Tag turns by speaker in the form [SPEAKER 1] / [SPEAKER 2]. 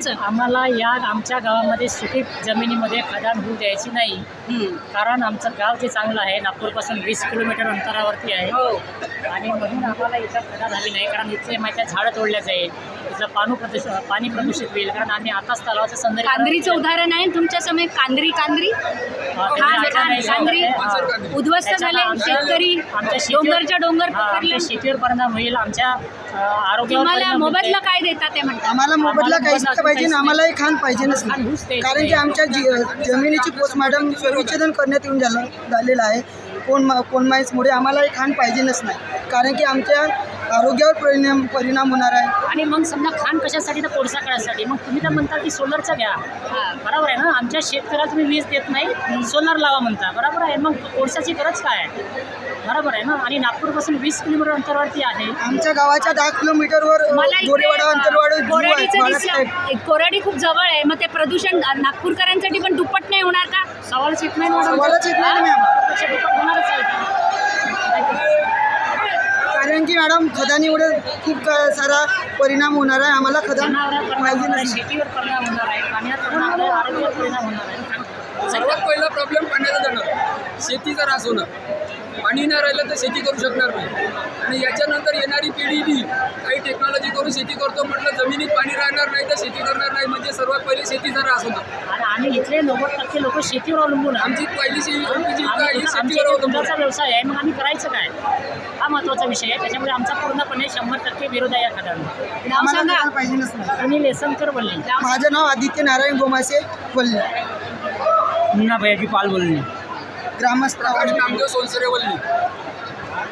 [SPEAKER 1] तुमचं?
[SPEAKER 2] आम्हाला या आमच्या गावामध्ये सुपीक जमिनीमध्ये खदान होऊ द्यायची नाही, कारण आमचं गाव जे चांगलं आहे नागपूरपासून 20 किलोमीटर अंतरावरती आहे.
[SPEAKER 1] हो.
[SPEAKER 2] आणि म्हणून आम्हाला इथं खदान हवी नाही, कारण इथले माहिती झाडं तोडल्या जाईल, इथलं पाणी प्रदूषित होईल, कारण आम्ही आताच तलावाचं सौंदर्य
[SPEAKER 1] कांद्रीचं उदाहरण आहे तुमच्या समोर. कांद्री उद्ध्वस्त झाले, शेतकरी डोंगरच्या डोंगर पकडले.
[SPEAKER 2] शेतीवर परिणाम होईल, आमच्या आरोग्यावर
[SPEAKER 1] तुम्हाला
[SPEAKER 2] परिणाम होईल.
[SPEAKER 1] मोबदला काय देतात ते म्हणतात?
[SPEAKER 3] आम्हाला मोबदला काहीच नाही पाहिजे, आम्हालाही खाण पाहिजेच नाही, कारण की आमच्या जमिनीची पोस्टमॉर्टम विच्छेदन करण्यात येऊन झालेलं आहे. कोणमाईसमुळे आम्हालाही खाण पाहिजेच नाही, कारण की आमच्या आरोग्यावर परिणाम होणार आहे.
[SPEAKER 2] आणि मग समजा खाण कशासाठी तर कोळसा काढायसाठी, मग तुम्ही तर म्हणता की सोलरचा घ्या. बरोबर आहे ना, आमच्या शेतकऱ्याला तुम्ही वीज देत नाही, सोलर लावा म्हणता. बरोबर आहे, मग कोळसाची गरज काय आहे? बरोबर आहे ना. आणि नागपूरपासून 20 किलोमीटर अंतरावरती आहे.
[SPEAKER 3] आमच्या गावाच्या 10 किलोमीटरवर गोरेवाडा अंतरवाड
[SPEAKER 1] कोराडी खूप जवळ आहे. मग ते प्रदूषण नागपूरकरांसाठी पण दुप्पट नाही होणार का?
[SPEAKER 2] सवालच येत नाही.
[SPEAKER 3] सवालच येत नाही मॅम,
[SPEAKER 2] होणारच आहे.
[SPEAKER 3] कारण की मॅडम खदानीमुळे खूप सारा परिणाम होणार आहे. आम्हाला खदान पाहिजे नाही.
[SPEAKER 2] शेतीवर परिणाम होणार आहे, पाण्यावर परिणाम होणार आहे, आरोग्यावर परिणाम होणार आहे.
[SPEAKER 4] सर्वात पहिला प्रॉब्लेम पाण्याचा जाणार, शेतीचा ऱ्हास होणार. पाणी नाही राहिलं तर शेती करू शकणार नाही. आणि याच्यानंतर येणारी पिढी बी काही टेक्नॉलॉजी करून शेती करतो म्हटलं, जमिनीत पाणी राहणार नाही तर शेती करणार नाही, म्हणजे सर्वात पहिले शेतीचा ऱ्हास होणार.
[SPEAKER 2] आणि आम्ही इथले 90% लोक शेतीवर अवलंबून आहे.
[SPEAKER 4] आमची पहिली जीविका ही शेतीवर
[SPEAKER 2] आमच्या
[SPEAKER 4] अवलंबून
[SPEAKER 2] दुधाचा व्यवसाय आहे, मग आम्ही करायचं काय? हा महत्त्वाचा विषय आहे. त्याच्यामुळे आमचा पूर्णपणे 100% विरोध आहे या खदानला.
[SPEAKER 1] नाव
[SPEAKER 3] आम्हाला
[SPEAKER 1] सांगा.
[SPEAKER 3] खाण पाहिजेच नाही.
[SPEAKER 2] सुनील येसनकर बोलले.
[SPEAKER 3] माझं नाव आदित्य नारायण गोमासे बोलले,
[SPEAKER 2] मुन्ना भैयाजी पाल बोलणे.
[SPEAKER 3] ग्रामस्थ
[SPEAKER 4] नामदेव सोनसरे वल्ली.